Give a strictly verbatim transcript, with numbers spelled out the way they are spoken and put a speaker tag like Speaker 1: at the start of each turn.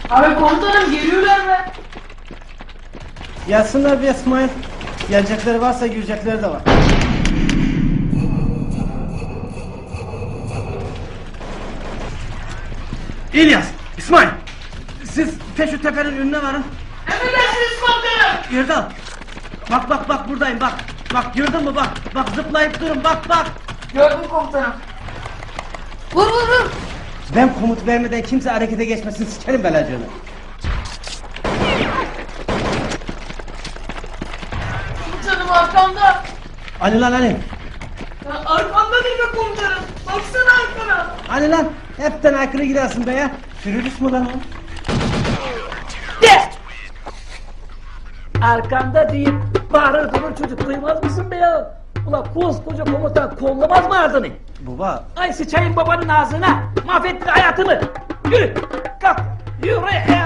Speaker 1: Abi komutanım geliyorlar mı?
Speaker 2: Gelsinler bir İsmail. Gelecekleri varsa girecekleri de var. İlyas, İsmail. Siz Peşu Tepe'nin önüne varın.
Speaker 1: Emredersiniz komutanım.
Speaker 2: Yerdal. Bak bak bak buradayım bak. Bak gördün mü bak. Bak zıplayıp durun bak bak.
Speaker 1: Gördüm komutanım. Vur vur vur.
Speaker 2: Ben komut vermeden kimse harekete geçmesin, sikerim belacığını.
Speaker 1: Komutanım arkamda.
Speaker 2: Ali lan Ali.
Speaker 1: Ya arkamda değil mi komutanım? Baksana arkana.
Speaker 2: Ali lan. Hepten aykırı gidersin be ya. Sürülüs mü lan o?
Speaker 3: De! Arkamda deyip bağırır durur çocuk, duymaz mısın be ya? Ulan koskoca komutan kollamaz mı ardını?
Speaker 2: Baba.
Speaker 3: Ay sıçayım babanın ağzına, mahvettin hayatımı! Yürü! Kalk! Yürü!